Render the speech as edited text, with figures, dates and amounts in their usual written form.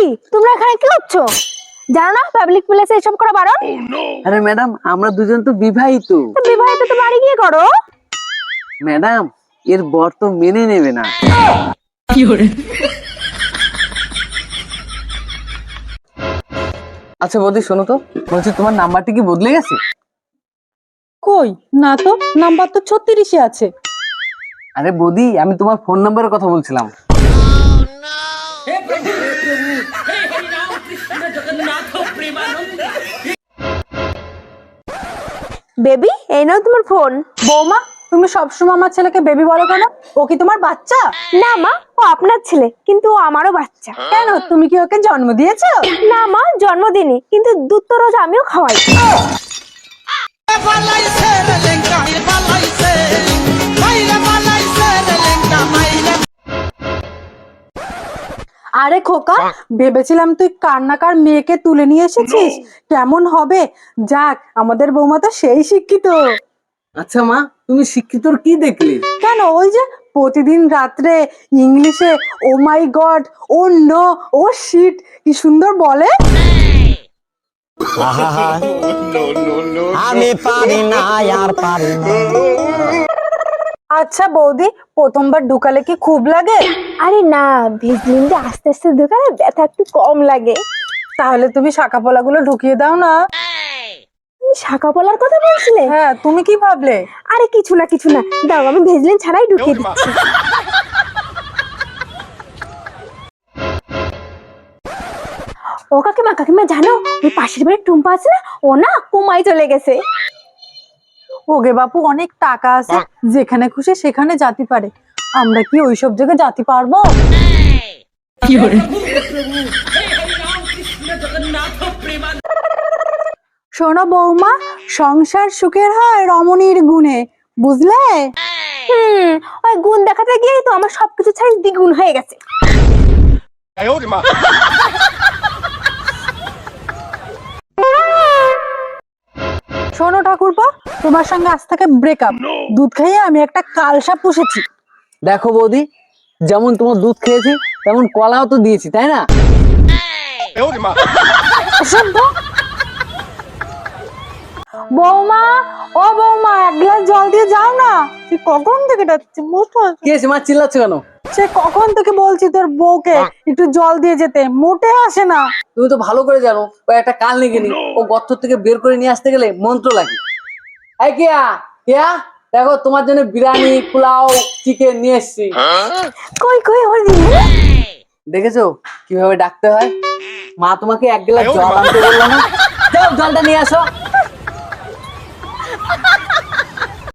তোমরা এখানে কি করছো? জানো না পাবলিক প্লেসে এসব করা বারণ? আরে ম্যাডাম, আমরা দুজন তো বিবাহিত। বিবাহিত তো বাড়ি গিয়ে করো। ম্যাডাম, এর বর তো মেনে নেবে না। আচ্ছা বৌদি, শোনো তো, বলছি তোমার নাম্বারটা কি বদলে গেছে? কই না তো, নাম্বার তো 36-এ আছে। আরে বৌদি, আমি তোমার ফোন নাম্বারের কথা বলছিলাম। বেবি, এই নাও তোমার ফোন। বৌমা, তুমি সবসময় আমার ছেলেকে বেবি বলো কেন? ও কি তোমার বাচ্চা? না মা, ও আপনার ছেলে, কিন্তু ও আমারও বাচ্চা। কেন, তুমি কি ওকে জন্ম দিয়েছো? না মা, জন্মদিনই, কিন্তু দুধ তো রোজ আমিও খাওয়াই। আরে খোকা, ভেবেছিলাম তুই কান্নাকার মেয়েকে তুলে নিয়ে এসেছিস, কেমন হবে। যাক, আমাদের বৌমা তো সেই শিক্ষিত। আচ্ছা মা, তুমি শিক্ষিতর কি দেখলে? কেন, ওই যে প্রতিদিন রাত্রে ইংলিশে oh my god, oh no, oh shit কি সুন্দর বলে। আমি পারি না, আর পারি না। আচ্ছা বৌদি, প্রথমবার ঢুকালে কি খুব লাগে? আরে না, ভেজলিন দিয়ে আস্তে আস্তে ঢোকালে ব্যথা একটু কম লাগে। তাহলে তুমি শাখা পলাগুলো ঢুকিয়ে দাও না। তুমি শাখা পলার কথা বলছিলে? হ্যাঁ, তুমি কি ভাবলে? আরে কিছু না কিছু না, দাও আমি ভেজলিন ছাড়াই ঢুকিয়ে দিচ্ছি। ও কাকিমা কাকিমা, জানো ওই পাশের বাড়ির টুম্পা আছে না, ও না কোমায় চলে গেছে। ওগে বাপু, অনেক টাকা আছে, যেখানে খুশি সেখানে জাতি পারে। আমরা কি ওইসব জায়গায় জাতি পারবো? শোনো বৌমা, সংসার সুখের হয় রমণীর গুণে, বুঝলে? ওই গুণ দেখাতে গিয়েই তো আমার সবকিছু ছাড়ি দ্বিগুণ হয়ে গেছে। শোনো ঠাকুরপো, তোমার সঙ্গে আজ থেকে ব্রেকআপ। দুধ খাইয়ে আমি একটা কালসা পুষেছি। দেখো বৌদি, যেমন তোমার দুধ খেয়েছি তেমন কলাও তো দিয়েছি, তাই না? অসভ্য। বৌমা, ও বৌমা, এক গ্লাস জল দিয়ে যাও না। সে কখন থেকে ডাকছে, কি আছে মা, চিল্লাচ্ছ কেন? সে কখন থেকে বলছি তোর বউকে একটু জল দিয়ে যেতে, মোটে আসে না। তুমি তো ভালো করে জানো ও একটা কাল নিগিনি, ও গর্ত থেকে বের করে নিয়ে আসতে গেলে মন্ত্র লাগে। এই কিয়া কিয়া, দেখো তোমার জন্য বিরিয়ানি, পোলাও, চিকেন নিয়ে এসেছি। কই কই ওর দিদি? দেখেছো কিভাবে ডাকতে হয়? মা তোমাকে এক গ্লাস জল আনতে বললো না? যাও জলটা নিয়ে আসো।